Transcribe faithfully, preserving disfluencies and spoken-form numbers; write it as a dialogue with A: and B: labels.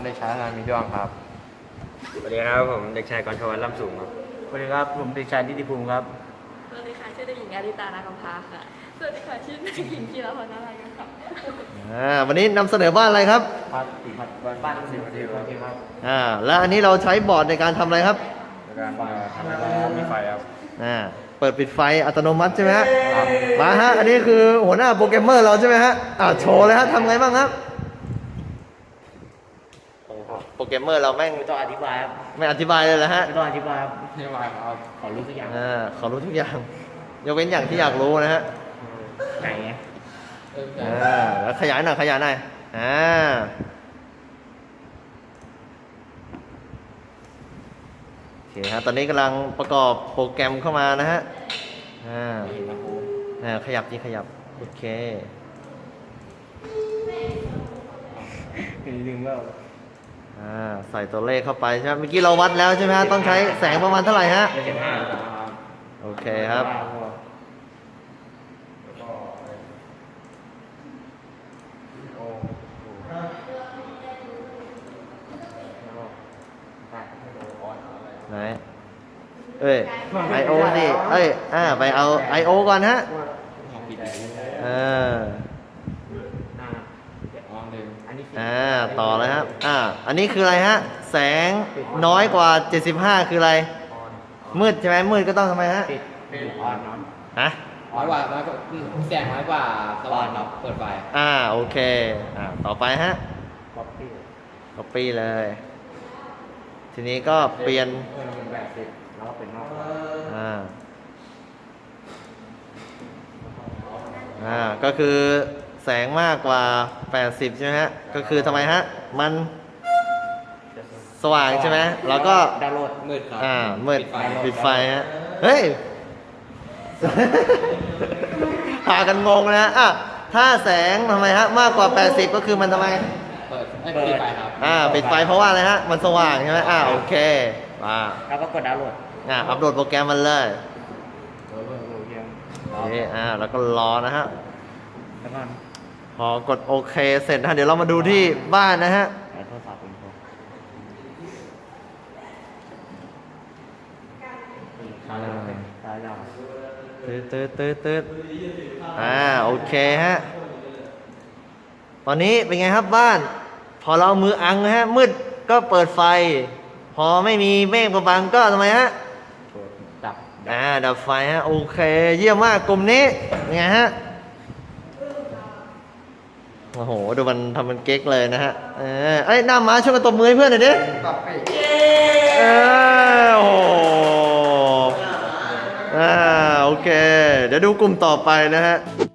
A: เด็กชายธนามีดวงครับ
B: สวัสดีครับผมเด็กชายกรชวันล่ำสูงครับ
C: สวัสดีครับผมเด็กชายนิติภูมิครับ
D: สวัสดีค่ะชื่อเด็กหญิงอาริตานาคำพาค่ะสวัสดีค่ะชื่อเด็กหญิงกีฬาพรนาลายกันค่ะ
E: อ่าวันนี้นำเสนอบ้านอะไรครับ
C: พัดสีพัดบ้านสีพัดสีครับ
E: อ่าแล้วอันนี้เราใช้บอร์ดในการทำอะไรครับ
A: ในการทำให้มีไฟครับ
E: อ่าเปิดปิดไฟอัตโนมัติใช่ไหมฮะมาฮะอันนี้คือหัวหน้าโปรแกรมเมอร์เราใช่ไหมฮะอ่าโชว์เลยฮะทำไงบ้างครับโปรแกรมเมอร์เราแม่ง
C: ไม่ต้องอธิบายครับ
E: ไม่อธิบายเลยเหรอฮะ
C: ไม่ต้องอธิบายครับ
A: นี่วายครับขอรู้สักอย่าง
E: อ่าขอรู้ทุกอย่างยกเว้นอย่างที่อยากรู้นะฮะ
C: ไก่ไง
E: อ่าแล้วขยายหน่อยขยายหน่อยอ่าโอเคฮะตอนนี้กำลังประกอบโปรแกรมเข้ามานะฮะอ่าอ่าขยับจริงขยับโอเค
C: ลืมแล้ว
E: อ่าใส่ตัวเลขเข้าไปใช่ไหมเมื่อกี้เราวัดแล้วใช่ไหมฮะต้องใช้แสงประมาณเท่าไหร่ฮะ
C: เจ็ดห้า
E: โอเคครับไหนเอ้ยไอโอสิเอ้ยอ่าไปเอาไอโอก่อนฮะเอออ่าต่อเลยครับอ่าอันนี้คืออะไรฮะแสงน้อยกว่าเจ็ดสิบห้าคืออะไรมืดใช่ไหมมืดก็ต้องทำไมฮะ
C: ปิดปิดออนเนาะ
E: ฮะ
A: น้อยกว่าน้อยกว่าแสงน้อยกว่าสว่างเนาะเปิดไฟ
E: อ่าโอเคอ่าต่อไปฮะ
C: copy
E: copy เลยทีนี้ก็เปลี่ยน
C: เออเป็นแบบสิบแล้วเป็นนอก
E: อ่าอ่าก็คือแสงมากกว่าแปดสิบใช่ไหมฮะก็คือทำไมฮะมันสว่างใช่ไหมแล้วก็
C: ดาวน์โหลด
A: มืดครับ
E: อ่ามืดปิดไฟฮะเฮ้ยพากันงงนะอ่ะถ้าแสงทำไมฮะมากกว่าแปดสิบก็คือมันทำไม
A: เปิดปิดไฟครับ
E: อ่าปิดไฟเพราะว่าอะไรฮะมันสว่างใช่ไหมอ่าโอเคมา
C: แล้วก็กดดาวน์โหลด
E: อ่าอัปโหลดโปรแกรมมันเลย
C: โอ้โหเยี่ยม
E: โอเคอ่าแล้วก็รอนะฮะ
C: แล้วก็
E: พอกดโอเคเสร็จนะเดี๋ยวเรามาดูที่บ้านนะฮะ
C: โทรศัพท์ผมโทรตายแล้วตายแล้ว
E: ตืดตืดตืดตืดอ่าโอเคฮะตอนนี้เป็นไงครับบ้านพอเราเอามืออังนะฮะมืดก็เปิดไฟพอไม่มีเมฆบังก็ทำไมฮะ
C: ดับ
E: อ่าดับไฟฮะโอเคเยี่ยมมากกลุ่มนี้เป็นไงฮะโอ้โหดูมันทำมันเก๊กเลยนะฮะเออไอ้หน้าม้าช่วยกันตบมือให้เพื่อนหน่อยดิเออโอ้โหอ่าโอเคเดี๋ยวดูกลุ่มต่อไปนะฮะ